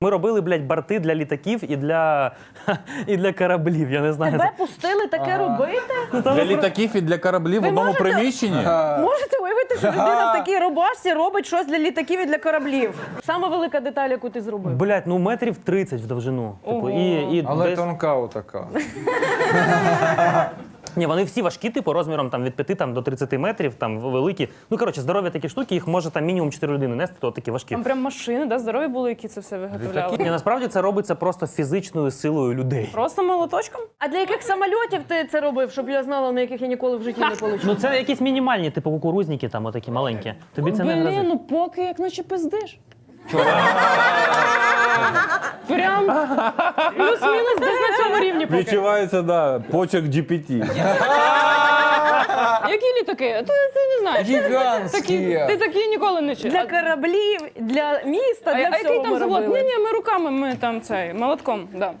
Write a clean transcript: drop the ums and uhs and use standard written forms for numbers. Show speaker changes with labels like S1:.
S1: Ми робили, блядь, борти для літаків і для кораблів, я не знаю.
S2: Тебе пустили таке робити?
S3: Для літаків і для кораблів в одному приміщенні?
S2: Можете уявити, що людина в такій рубашці робить щось для літаків і для кораблів? Сама велика деталь, яку ти зробив.
S1: Блядь, ну метрів 30 в довжину. Типу,
S4: Але
S1: десь...
S4: тонка отака.
S1: Ні, вони всі важкі, типу, розміром там, від 5 там, до 30 метрів, там, великі. Ну, коротше, здорові такі штуки, їх може там мінімум 4 людини нести, то такі важкі.
S5: Там прям машини, да, здорові були, які це все виготовляли.
S1: Ні, насправді це робиться просто фізичною силою людей.
S5: Просто молоточком?
S2: А для яких самольотів ти це робив, щоб я знала, на яких я ніколи в житті не полечу?
S1: Ну, це якісь мінімальні, типу, кукурузники, там, отакі маленькі. Тобі це не
S5: Блін,
S1: грозить.
S5: ну поки як наче пиздиш. Прям плюс-мінус десь на цьому рівні поки.
S3: Відчувається, да, почерк GPT.
S5: Які літаки? Ти не знаєш.
S4: Гігантські.
S5: Ти такі ніколи не чув.
S2: Для кораблів, для міста,
S5: А
S2: для
S5: який
S2: всього
S5: там
S2: ми
S5: завод?
S2: робили.
S5: Ні, ми руками, ми там цей, молотком, да.